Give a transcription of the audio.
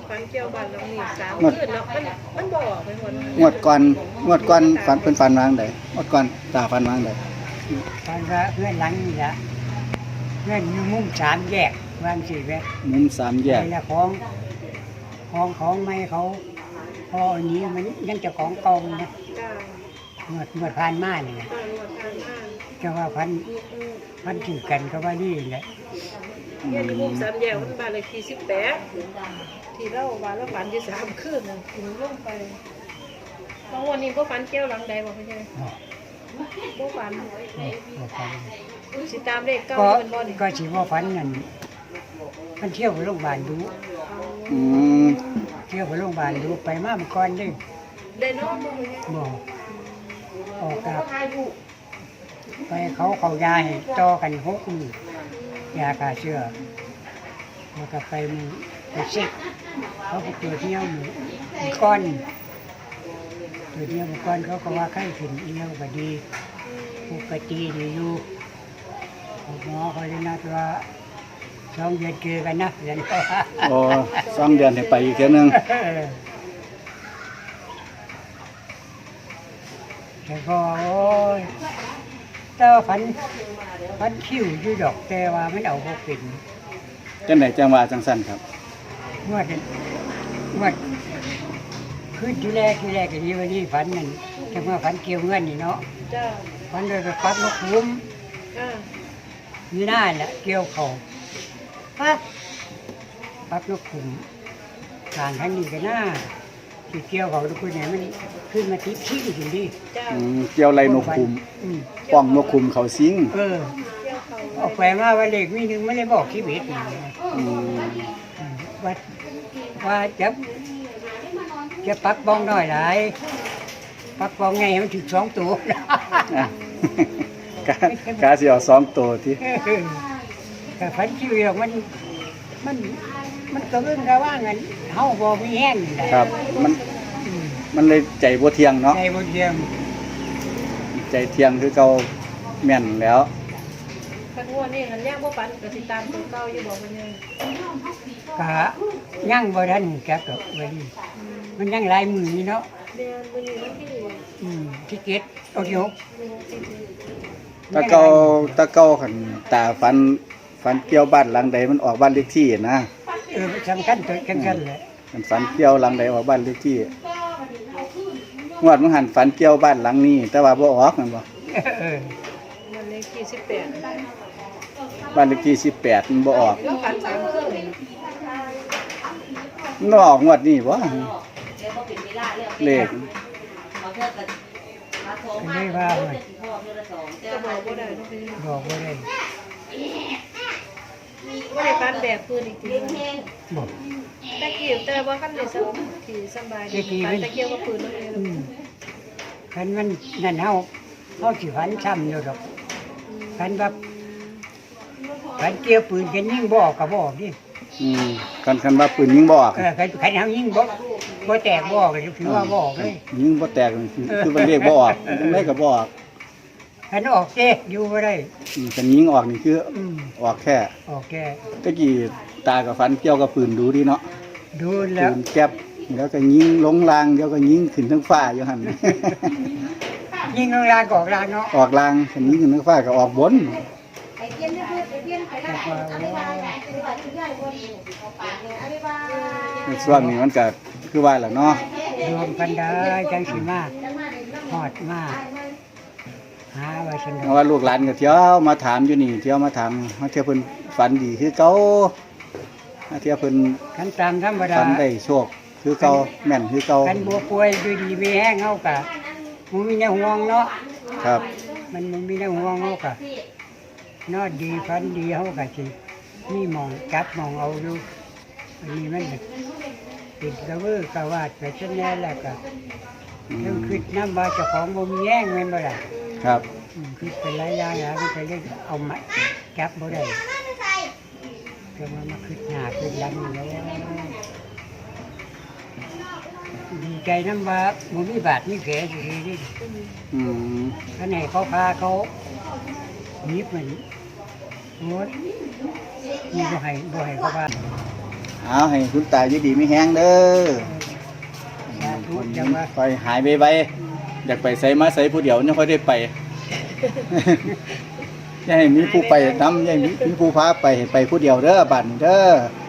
ฝันเกี่ยวบ้านหลังนี้3 คืนแล้วมันบ่ออกไปหมดงวดก่อนฝันเพิ่นฝันวางใดงวดก่อนตาฝันวางใดตอนว่าเพื่อนหลังนี่ละเพื่อนอยู่มุม3 แยกวางสิแม่มุม3แยกนี่ละของไม่เขาพออันนี้มันยังจะของเก่านะจ้าเมื่อผ่านมานี่นะตอนวันทางมาจะว่าพันถือกันก็ว่านี่แหละเนี่ยที่มุม3 แยกมันบ้านเลขที่18ที่เราว่าเราฝันอยู่3 คืนน่ะถึงลงไปบางวันนี้บ่ฝันเกี่ยวหลังใดบ่เข้าใจบ่ฝันบ่ฟันสิตามเลขเก่าก็เป็นบ่นี่ก็สิว่าฟันนั่นมันเที่ยวไปโรงพยาบาลดูอืมเที่ยวไปโรงพยาบาลดูไปมาเมื่อก่อนเด้ได้นอนบ่เข้าใจบ่ออกกับไปเขายาให้ต่อกัน6 มื้อยาฆ่าเชื้อแล้วก็ไปเช็คเขาไปตรวจเที่ยวหมู่ก้อนตรวจเที่ยวหมู่ก้อนเขาก็ว่าไข้ขึ้นเที่ยวก็ดีปกติดีอยู่หมอเขาเลยนัดว่า2 เดือนเจอกันนะเดือนเขาว่าโอ้2 เดือนให้ไปอีกเทื่อนึงแต่ก็โอ้ยแต่ว่าพันคิ้วอยู่ดอกแต่ว่าไม่เอาพวกเป็นจังไดจังว่าจังซั่นครับงวดคืนที่แรกก็ดีวันนี้ฝันนั่นแต่เมื่อฝันเกี่ยวเงินนี่เนาะจ้าฝันโดยไปปักนกคุ้มอ่ามีหน้าแหละเกี่ยวเขาปักนกคุ้มทางทั้งนี้ก็หน้าที่เกี่ยวเขาทุกคนเนี่ยมันขึ้นมาทิพย์ชี้อยู่ดีจ้าเกี่ยวไรนกคุมอืมป้องนกคุมเขาสิงเออเกี่ยวเขาออกไปมาว่าเลขมีหนึ่งไม่ได้บอกชีวิตนี่อืมว่าจะปักบองน้อยหลายปักบองไงมันถึง2 ตัวอ่ะ กาสิเอา2ตัวที่แต่ฝันชีวิตมันก็เรื่องระว่างันเฮาบ่มีแห้งนี่แหละครับมันเลยใจบ่เที่ยงเนาะใจบ่เทียมใจเที่ยงคือเก่าแม่นแล้วคันว่านี่คันย่างบ่ฝันก็สิตามตัวเก่าอยู่บ่ว่าเนี่ยก็ยังบ่ทันจักดอกเว้ยมันยังหลายมื้อนี่เนาะเดือนมื้อนี้วันที่ที่เก็ดเอาที่6 ตะเก่าคันตาฝันเกี่ยวบ้านหลังใดมันออกบ้านเลขที่นะสำคัญตัวจังซั่นแหละมันฝันเกี่ยวหลังใดออกบ้านเลขที่งวดมันหันฝันเกี่ยวบ้านหลังนี้ แต่ว่าบ่ออกนั่นบ่เออมันเลขที่18 บ้านเลขที่18มันบ่ออกแล้วฝัน3 คืนมันบ่ออกงวดนี้บ่เลขเลยว่าเว้ยก็บอกบ่ได้เนาะพี่บอกบ่ได้บ่ได้ฝันแบบคืนอีกทีบอกตะกี้แต่ว่าคันได้สบายดีฝันตะเกียวกับปืนนั่นเองคันมันนั่นเฮาสิฝันซ้ำอยู่ดอกคันว่าคันเกี่ยวปืนกันยิงบ่ออกก็บ่ออกดิคันว่าปืนยิงบ่ออกคันเฮายิงบ่แตกบ่ออกก็ถือว่าบ่ออกเลยยิงบ่แตกคือมันเลขบ่ออกจังไดก็บ่ออกคันออกเด้อยู่บ่ได้คันยิงออกนี่คือออกแค่ออกแก่ตะกี้ตากับฝันเกี่ยวกับปืนดูดีเนาะดูปืแล้วนแก๊ปแล้วก็ยิงลงรางเดี๋ยวก็ยิงขึ้นทั้งฟ้าอยู่หั่นยิงลางก็ออกลางเนาะออกรางคันยิงขึ้นทั้งฟ้าก็ออกบนแต่ว่าโอ้ในช่วงนี้มันก็คือว่าล่ะเนาะรวมกันได้จังสิมาฮอดมาหาไว้ซั่นเพดอราะกว่าลูกหลานก็เที่ยวมาถามอยู่นี่เที่ยวมาถามว่าเที่ยวเพิ่นฝันดีคือเก่าเที่ยวเพิ่นคันตามธรรมดาฝันได้โชคคือเก่าแม่นคือเก่าคันบ่ป่วยด้วยดีมีแห้งเฮาก็บ่มีแนวห่วงเนาะครับมันบ่มีแนวห่วงเฮาก็นอนดีฝันดีเฮาก็สิมีหมองจับหมองเอาอยู่อันนี้มันติดกระเวือกระวาดไปซะแน่แล้วก็เรื่องคิดนำว่าเจ้าของบ่มีแห้งแม่นบ่ล่ะครับคิดเป็นหลายอย่างแล้วมันก็เลยเอามาจับบ่ได้ก็มาคิดหน้าคิดหลังอยู่แล้วดีใจนำว่าบ่มีบาดมีแผลซื่อๆนี่อืมท่านให้เขาพาเขาหนีบมันโอ้ยนี่บ่ให้เขาพาเอาให้คุณตาอยู่ดีมีแฮงเด้อสาธุจังว่าค่อยหายไวๆอยากไปไสมาไสผู้เดียวยังค่อยได้ไป อย่าให้มีผู้ไปนำอย่าให้มีผู้พาไปให้ไปผู้เดียวเด้อบัดนี้เด้อ